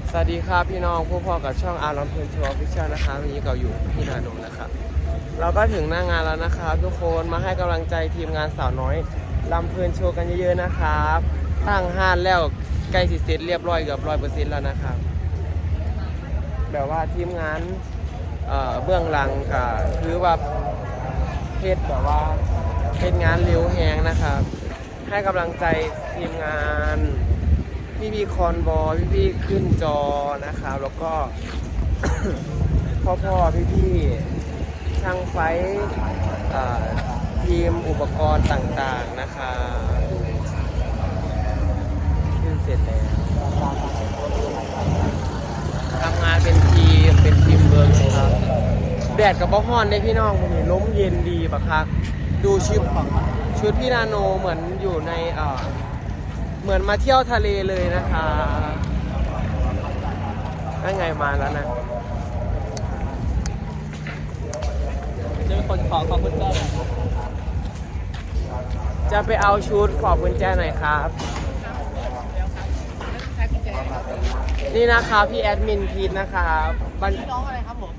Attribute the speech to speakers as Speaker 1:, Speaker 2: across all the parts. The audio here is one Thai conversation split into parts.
Speaker 1: สวัสดีครับพี่น้องผู้พ่อกับช่องอาร์ลำเพลินโชว์ออฟฟิเชียลนะคะวันนี้เราอยู่ที่นาโดนนะครับเราก็ถึงหน้างานแล้วนะครับทุกคนมาให้กำลังใจทีมงานสาวน้อยลำเพลินโชว์กันเยอะๆนะครับตั้งห้านแล้วใกล้สิเสร็จเรียบร้อยเกือบ100%แล้วนะครับแบบว่าทีมงานเบื้องหลังก็คือว่าเพชรแบบว่าเป็นงานเร็วแหงนะครับให้กำลังใจทีมงานพี่คอนบอยพี่ขึ้นจอนะครับแล้วก็ พ่อพี่ช่างไฟทีมอุปกรณ์ต่างๆนะคะขึ้นเสร็จแล้วทำงานเป็นทีมเวิร์กครับแดดกับบ้าฮ้อนได้พี่น้องผมเห็นล้มเย็นดีปะครับดูชุดพี่นาโนเหมือนอยู่ในเหมือนมาเที่ยวทะเลเลยนะคะนั่นไงมาแล้วนะ
Speaker 2: จะเป็นคนขอคุณแจหน่อย
Speaker 1: จะไปเอาชุดขอบกุญแจหน่อยครับนี่นะคะพี่แอดมินพีทนะคะ
Speaker 2: น้องอะไรครับผม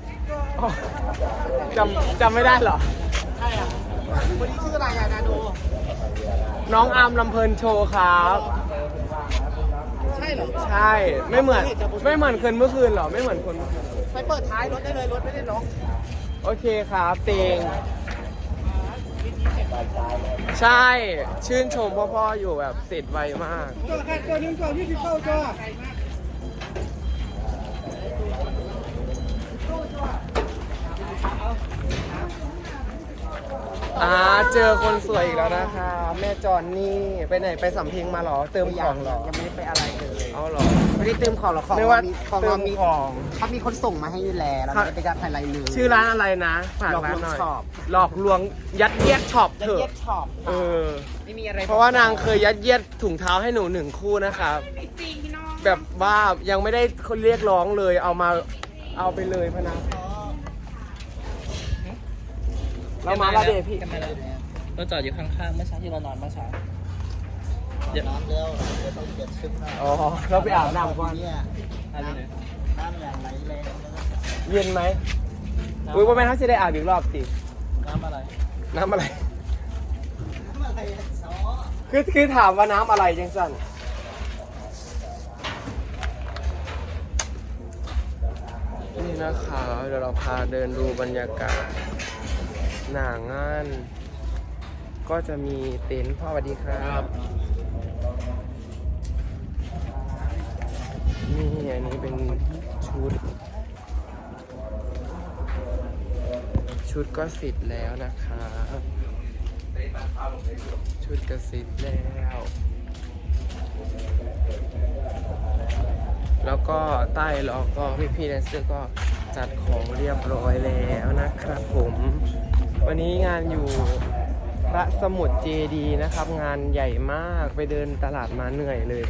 Speaker 1: จำไม่ได้เหรอ
Speaker 2: ใช่อ่ะคนนี้ชื่ออะไรอะนาโด
Speaker 1: น้องอาร์มลำเพลินโชว์ครับ
Speaker 2: ใช่เหรอ
Speaker 1: ใช่ไม่เหมือนคนเมื่อคืนเหรอไม่เหมือนคนเมื่อคืน
Speaker 2: ไปเปิดท้ายรถได้เลยรถไม่ได้ล็อก
Speaker 1: โอเคครับเตงใช่ชื่นชมพ่ออยู่แบบเสร็จไวมาก
Speaker 2: ตัวนึงก่อนที่เข้าจ้า
Speaker 1: เจอคนสวยอีกแล้วนะคะแม่จอนนี่ไปไหนไปสำเพ็งมาหรอเติมของหรอ
Speaker 2: ยังไม่ได้ไปอะไรเลย
Speaker 1: เอาหรอ
Speaker 2: ไม่ได้เติมของหรอของ
Speaker 1: ไม่ว่าเติมของ
Speaker 2: เขามีคนส่งมาให้อยู่แล้วแล้วไม่ได้การอะไรเลย
Speaker 1: ชื่อร้านอะไรนะฝากร้านหน่อยหลอกลวงยัดเยียดช็อปเถอะ
Speaker 2: ไม่มีอะไร
Speaker 1: เพราะว่านางเคยยัดเยียดถุงเท้าให้หนู1 คู่นะครับแบบว่ายังไม่ได้คนเรียกร้องเลยเอาไปเลยพนักเรามาแล้วเดพี่
Speaker 2: เราจอดอยู่ข้างๆเมื่อเช้าที่เรานอนเมื่อเช้าเดี๋ยวต้องเปลี่ยนชุด
Speaker 1: อ๋อเราไปอาบน้ำก่อน
Speaker 2: อะไรเลย
Speaker 1: น้ำอย่างไรแรงเย็นไหมอุ้ยว่าแม่เขาจะได้อาบอีกรอบสิ
Speaker 2: น้ำอะไร
Speaker 1: คือถามว่าน้ำอะไรจังสันนี่นะคะเดี๋ยวเราพาเดินดูบรรยากาศหน้างานก็จะมีเต็นท์พ่อสวัสดีครับนี่อันนี้เป็นชุดก็เสร็จแล้วนะครับชุดก็เสร็จแล้วก็ใต้ล้อก็พี่แดนเซอร์ก็จัดของเรียบร้อยแล้วนะครับผมวันนี้งานอยู่พระสมุทรเจดีย์นะครับงานใหญ่มากไปเดินตลาดมาเหนื่อยเลย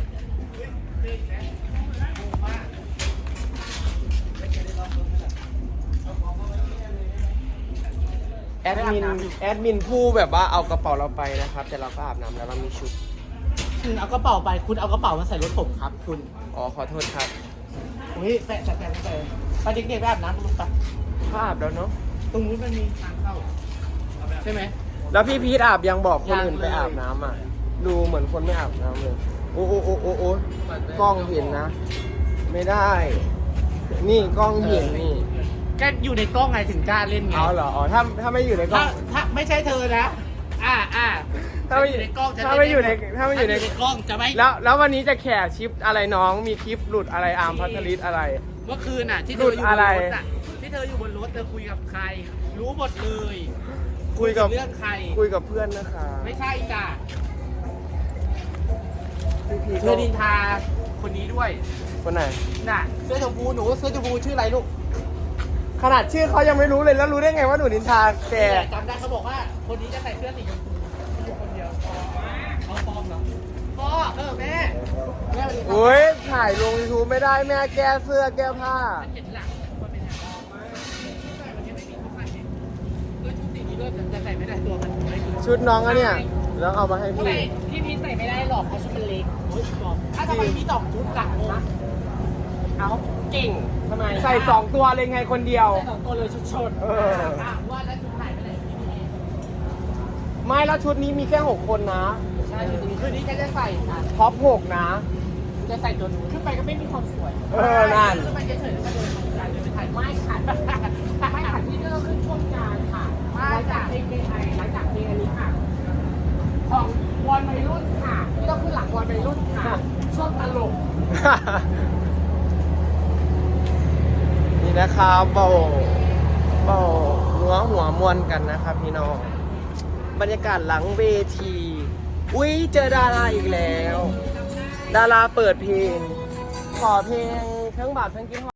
Speaker 1: แอดมินผู้แบบว่าเอากระเป๋าเราไปนะครับแต่เราก็อาบน้ำแล้วเรามีชุด
Speaker 2: เอากระเป๋าไปคุณเอากระเป๋ามาใส่รถผมครับคุณ
Speaker 1: อ๋อขอโทษครับ
Speaker 2: อุ้ยแต่ไปเด็กๆไปอาบน้ำกันไป
Speaker 1: อาบแล้วเนาะ
Speaker 2: ตรงนู้นมันมีทางเข้าใช่ไหม
Speaker 1: แล้วพี่พีทอาบยังบอกคนอื่นไปอาบน้ำอ่ะดูเหมือนคนไม่อาบน้ำเลยโอ้กล้องเห็นนะไม่ได้นี่กล้องเห็นนี่
Speaker 2: แกอยู่ในกล้องไงถึงกล้าเล่นไง
Speaker 1: เอาเหรอถ้าไม่อยู่ในกล้อง
Speaker 2: ถ้าไม่ใช่เธอนะ
Speaker 1: ถ้าไม่อยู่ในกล้องจะไม่
Speaker 2: กล้องจะไม่
Speaker 1: แล้ววันนี้จะแข่ชิปอะไรน้องมีคลิปหลุดอะไรอาร์มพัทลิสอะไร
Speaker 2: เมื่อคืนน่ะที่เธออยู่บนรถที่เธออยู่บนรถเธอคุยกับใครรู้หมดเลย
Speaker 1: คุยกับ
Speaker 2: เรื่องใคร
Speaker 1: คุยกับเพื่อนนะคะ
Speaker 2: ไม่ใช่จ้ะเธอดินทาคนนี้ด้วย
Speaker 1: คนไหน
Speaker 2: น่ะเสื้อชมพูหนูเสื้อชมพูชื่ออะไรลูก
Speaker 1: ขนาดชื่อเขายังไม่รู้เลยแล้วรู้ได้ไงว่าหนูนินทาแก
Speaker 2: จำได้เขาบอกว่าคนนี้จะใส่เสื้อสีชมพูอยู่คนเดียวเขาปลอมเหรอพ่อแม่
Speaker 1: โอ้ยถ่ายลง YouTube ไม่ได้แม่แก้เสื้อแก้ผ้า
Speaker 2: เห็นหลังมันเป็นชุดสีนี้ด้วยจะใส่ไม่ได้ตัวมัน
Speaker 1: ชุดน้องอะเนี่ยแล้วเอามาให้พี่
Speaker 2: พีใส่ไม่ได้หรอกเพราะชุดมันเล็กถ้าทำไมมี2 ชุดหลังนะเอา
Speaker 1: เก่ง
Speaker 2: ทำไม
Speaker 1: ใส่2ตัวเลยไงคนเดียว
Speaker 2: ใส่2ตัวเลยชด
Speaker 1: เออ
Speaker 2: ถามว่าแล้วชุดถ่ายไปไหนพี่นี่
Speaker 1: ไม่แล้วชุดนี้มีแค่6คนนะ
Speaker 2: ใช่ชุดนี้คืนนี้แกจะใส่ค่ะ
Speaker 1: ท็อป6นะ
Speaker 2: จะใส่ตัวนู้นขึ้นไปก็ไม่มีความสวย
Speaker 1: เออนั่น
Speaker 2: ขึ้นไปเฉยๆแล้วก็เดินทางการเดินไปถ่ายไม่ค่ะไม่ค่ะที่นี่ก็ขึ้นช่วงกลางค่ะหลังจากเพลงไทยหลังจากเพลงอันนี้ค่ะ ของวอนวัยรุ่นค่ะที่ต้องขึ้นหลังวอนวัยรุ่นค่ะ ช่วงตลก
Speaker 1: นี่นะครับเบาหัวมวนกันนะครับพี่น้องบรรยากาศหลังเวทีอุ้ยเจอดาราอีกแล้ว ดาราเปิดเพลงขอเพลงทั้งบาปทั้งกินหอด